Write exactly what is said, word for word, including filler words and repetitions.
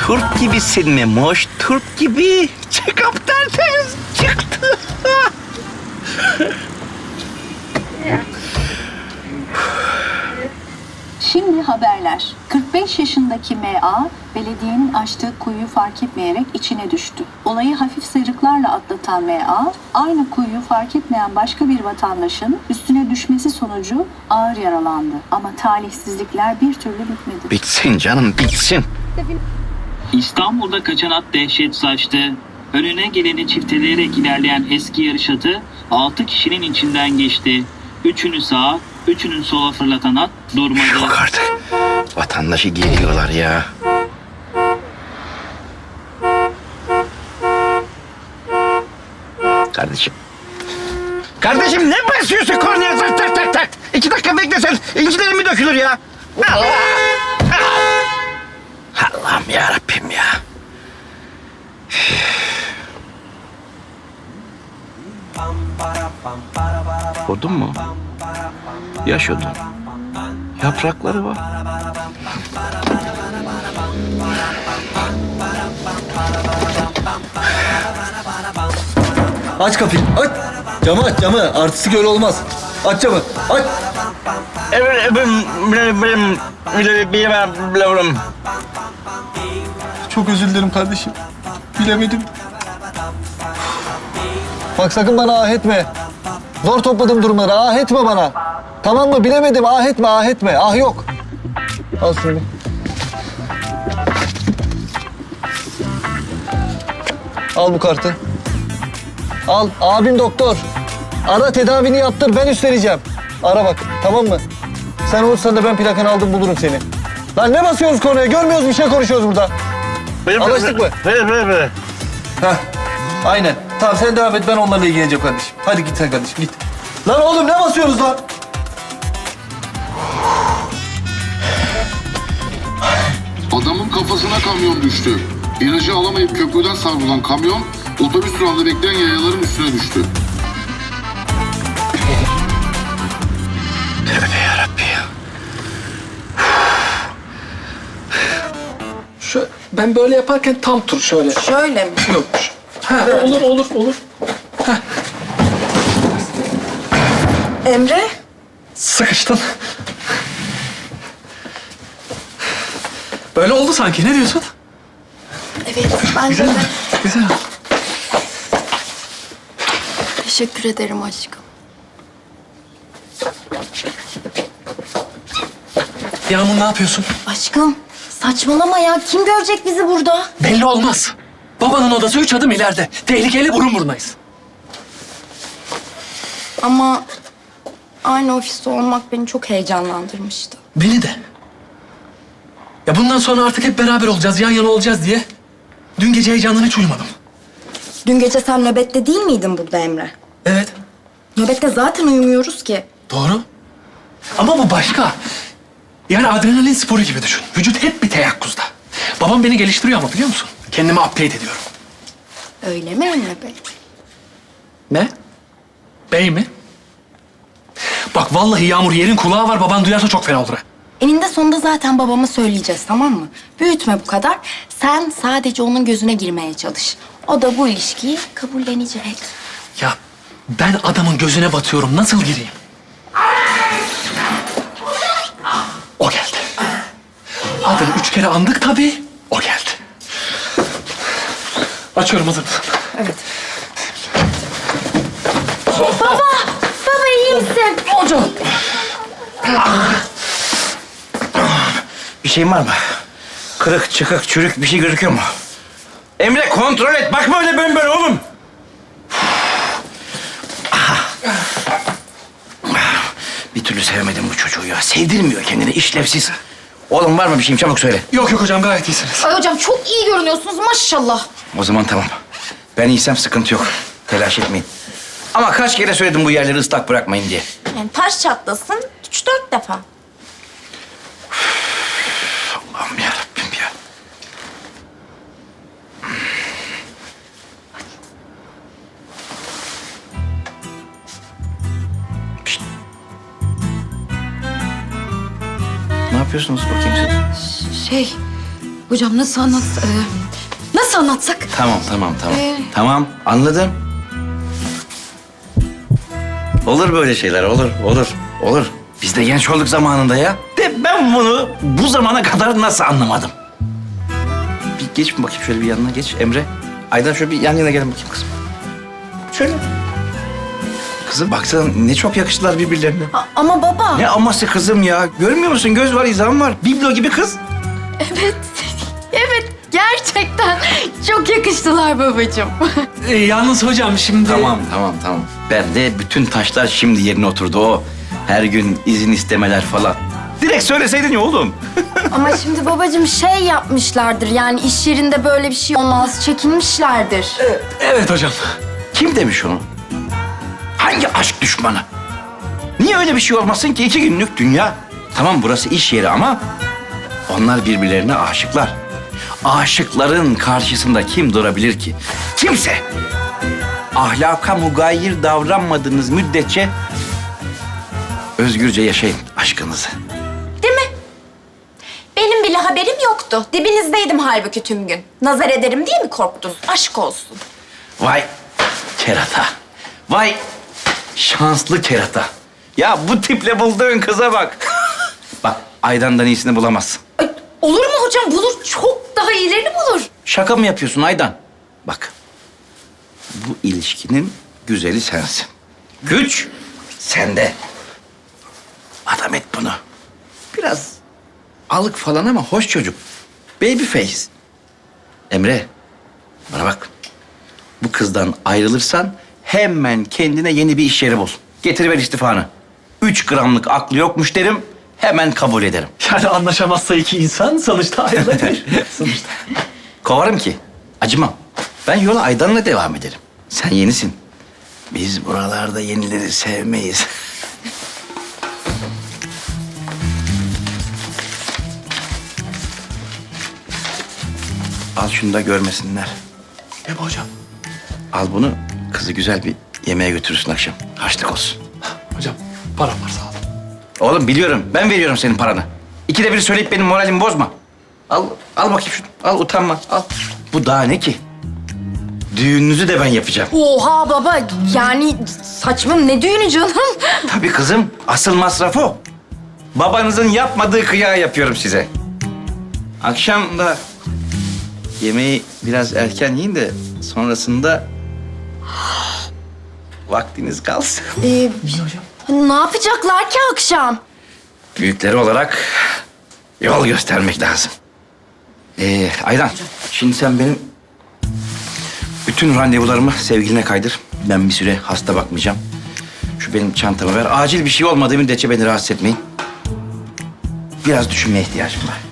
Turp gibisin Memoş, turp gibi. Çıkıp tertemiz çıktı. Şimdi haberler. kırk beş yaşındaki M A, belediyenin açtığı kuyuyu fark etmeyerek içine düştü. Olayı hafif sıyrıklarla atlatan M A, aynı kuyuyu fark etmeyen başka bir vatandaşın üstüne düşmesi sonucu ağır yaralandı. Ama talihsizlikler bir türlü bitmedi. Bitsin canım, bitsin. İstanbul'da kaçan at dehşet saçtı. Önüne geleni çifteleyerek ilerleyen eski yarış atı altı kişinin içinden geçti. Üçünü sağa, üçünü sola fırlatan at durmadı. Yok artık. Vatandaşı geliyorlar ya. Kardeşim. Kardeşim ne basıyorsun kornaya tak tak tak tak. İki dakika beklesen incilerim mi dökülür ya? Allah! Allah'ım yarabbim ya. Odun mu? Yaş odun. Yaprakları var. Aç kapıyı, aç. Camı aç, camı. Artistik öyle olmaz. Aç camı, aç. Çok özür dilerim kardeşim. Bilemedim. Bak sakın bana ah etme. Zor topladım durumları, ah etme bana. Tamam mı? Bilemedim, ah etme, ah etme. Ah yok. Al şunu. Al bu kartı. Al, abim doktor. Ara tedavini yaptır, ben üstleneceğim. Ara bak, tamam mı? Sen olursan da ben plakanı aldım bulurum seni. Lan ne basıyoruz konuya? Görmüyoruz bir şey konuşuyoruz burada. Anlaştık mı? Ver, ver, ver. Heh, aynen. Tamam sen devam et, ben onlarla ilgileneceğim kardeşim. Hadi git sen kardeşim, git. Lan oğlum ne basıyoruz lan? Adamın kafasına kamyon düştü. İlacı alamayıp köprüden savrulan kamyon, otobüs durağında bekleyen yayaların üstüne düştü. Tövbe yarabbim ya. Şu, ben böyle yaparken tam tur şöyle. Şöyle mi? Yok. Ha, olur olur olur. Emre? Sıkıştın. Böyle oldu sanki. Ne diyorsun? Evet, bence de. Güzel. Teşekkür ederim aşkım. Yağmur ne yapıyorsun? Aşkım, saçmalama ya. Kim görecek bizi burada? Belli olmaz. Babanın odası üç adım ileride. Tehlikeli burun burunayız. Ama aynı ofiste olmak beni çok heyecanlandırmıştı. Beni de. Ya bundan sonra artık hep beraber olacağız, yan yana olacağız diye. Dün gece heyecandan hiç uyumadım. Dün gece sen nöbette değil miydin burada Emre? Evet, Nöbette zaten uyumuyoruz ki. doğru. Ama bu başka. Yani adrenalin sporu gibi düşün. Vücut hep bir teyakkuzda. Babam beni geliştiriyor ama biliyor musun? Kendimi upgrade ediyorum. Öyle mi Emre Bey? Ne? Bey mi? Bak vallahi Yağmur yerin kulağı var. Baban duyarsa çok fena olur. ha. Eninde sonunda zaten babama söyleyeceğiz, tamam mı? Büyütme bu kadar. Sen sadece onun gözüne girmeye çalış. O da bu ilişkiyi kabullenecek. Ya ben adamın gözüne batıyorum. Nasıl gireyim? O geldi. Adını üç kere andık tabii. O geldi. Açıyorum, hazır mısın? Evet. Baba! Baba iyi misin? Hocam. Bir şeyin var mı? Kırık, çıkık, çürük bir şey gözüküyor mu? Emre kontrol et. Bakma öyle ben böyle oğlum. Aha. Bir türlü sevemedim bu çocuğu ya. Sevdirmiyor kendini, işlevsiz. Oğlum var mı bir şeyim? Çabuk söyle. Yok yok hocam, gayet iyisiniz. Ay hocam çok iyi görünüyorsunuz maşallah. O zaman tamam. Ben iyiysem sıkıntı yok. Telaş etmeyin. Ama kaç kere söyledim bu yerleri ıslak bırakmayın diye. Yani taş çatlasın üç dört defa. Allah'ım yarabbim ya. Pişt. Ne yapıyorsunuz bakayım siz? Şey, Hocam nasıl anlat... e, nasıl anlatsak? Tamam, tamam, tamam. Ee? Tamam, anladım. Olur böyle şeyler, olur, olur, olur. Biz de genç olduk zamanında ya. De ben bunu bu zamana kadar nasıl anlamadım? Bir geç bakayım şöyle bir yanına geç Emre. Aydan şöyle bir yan yana gelin bakayım kızım. Şöyle. Kızım baksana ne çok yakıştılar birbirlerine. A- ama baba... Ne aması kızım ya. Görmüyor musun? Göz var, izan var. Biblo gibi kız. Evet, evet. Gerçekten çok yakıştılar babacığım. Ee, yalnız hocam şimdi... Tamam, tamam, tamam. Ben de bütün taşlar şimdi yerine oturdu o. Her gün izin istemeler falan. Direkt söyleseydin ya oğlum. Ama şimdi babacığım şey yapmışlardır. Yani iş yerinde böyle bir şey olmaz. Çekinmişlerdir. Evet hocam. Kim demiş onu? Hangi aşk düşmanı? Niye öyle bir şey olmasın ki? İki günlük dünya. Tamam burası iş yeri ama onlar birbirlerine aşıklar. Aşıkların karşısında kim durabilir ki? Kimse. Ahlaka mugayir davranmadığınız müddetçe özgürce yaşayın aşkınızı. Değil mi? Benim bile haberim yoktu. Dibinizdeydim halbuki tüm gün. Nazar ederim diye mi korktun? Aşk olsun. Vay kerata. Vay şanslı kerata. Ya bu tiple bulduğun kıza bak. Bak Aydan'dan iyisini bulamazsın. Ay, olur mu hocam? Bulur. Çok daha iyilerini bulur. Şaka mı yapıyorsun Aydan? Bak bu ilişkinin güzeli sensin. Güç sende. Adam et bunu. Biraz alık falan ama hoş çocuk. Baby face. Emre bana bak. Bu kızdan ayrılırsan hemen kendine yeni bir iş yeri bul. Getiriver istifanı. Üç gramlık aklı yokmuş derim. Hemen kabul ederim. Yani anlaşamazsa iki insan sonuçta ayrılabilir. sonuçta. Kovarım ki. Acımam. Ben yola Aydan'la devam ederim. Sen yenisin. Biz buralarda yenileri sevmeyiz. Al şunu da görmesinler. Ne bu hocam? Al bunu, kızı güzel bir yemeğe götürürsün akşam. Harçlık olsun. Hocam param var sağ olun. Oğlum biliyorum, ben veriyorum senin paranı. İkide bir söyleyip benim moralimi bozma. Al, al bakayım şunu. Al, utanma, al. Bu daha ne ki? Düğününüzü de ben yapacağım. Oha baba. Yani saçma ne düğünü canım? Tabii kızım, asıl masraf o. Babanızın yapmadığı kıyağı yapıyorum size. Akşam da yemeği biraz erken yiyin de sonrasında vaktiniz kalsın. Ee, ne yapacaklar ki akşam? Büyükleri olarak yol göstermek lazım. Ee, Aydan, şimdi sen benim bütün randevularımı sevgiline kaydır. Ben bir süre hasta bakmayacağım. Şu benim çantamı ver. Acil bir şey olmadığı müddetçe beni rahatsız etmeyin. Biraz düşünmeye ihtiyacım var.